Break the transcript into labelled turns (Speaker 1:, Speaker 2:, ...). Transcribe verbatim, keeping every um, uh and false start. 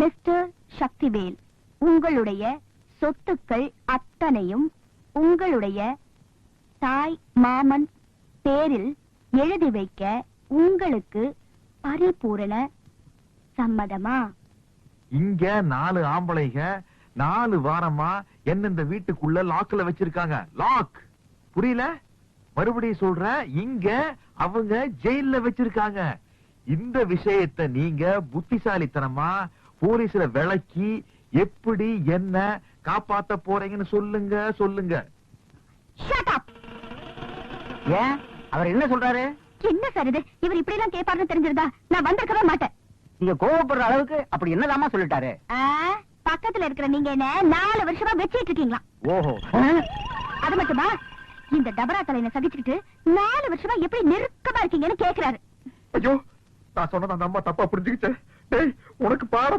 Speaker 1: Mister Sakthivel, உங்களுடைய சொத்துக்கள் அத்தனையும் உங்களுடைய தாய் மாமன் பேரில் எழுதி வைக்க உங்களுக்கு பரிபூரண சம்மதமா?
Speaker 2: இங்க நாலு ஆம்பளைங்க நாலு வாரமா என்ன இந்த வீட்டுக்குள்ள லாக்ல வச்சிருக்காங்க. லாக் புரியல? மறுபடியும் சொல்றேன், இங்க அவங்க ஜெயில்ல வச்சிருக்காங்க. இந்த விஷயத்தை நீங்க புத்திசாலித்தனமா போலீஸ்ல விளக்கி எப்படி என்ன காப்பாத்த போறீங்கன்னு சொல்லுங்க சொல்லுங்க.
Speaker 1: Shut up.
Speaker 3: ஏன் அவர் என்ன சொல்றாரு?
Speaker 1: என்ன சார் இது? இவர் இப்படி எல்லாம் கேட்பாருன்னு தெரிஞ்சிருந்தா நான் வந்திருக்கவே மாட்டேன்.
Speaker 3: நீங்க கோவப்படுற அளவுக்கு அப்படி என்னதாமா சொல்லிட்டாரு?
Speaker 1: ஆ, பக்கத்துல இருக்கிற நீங்க என்ன நாலு வருஷமா வச்சிட்டு இருக்கீங்களா?
Speaker 2: ஓஹோ,
Speaker 1: அது மட்டுமா, இந்த டபரா தலையில சகிச்சுக்கிட்டு நாலு வருஷமா எப்படி நெருக்கமா இருக்கீங்கன்னு கேக்குறாரு.
Speaker 2: ஐயோ, நான் சொன்னத அந்த அம்மா தப்பா புரிஞ்சுக்கிட்டேன். டேய், உனக்கு பாடம்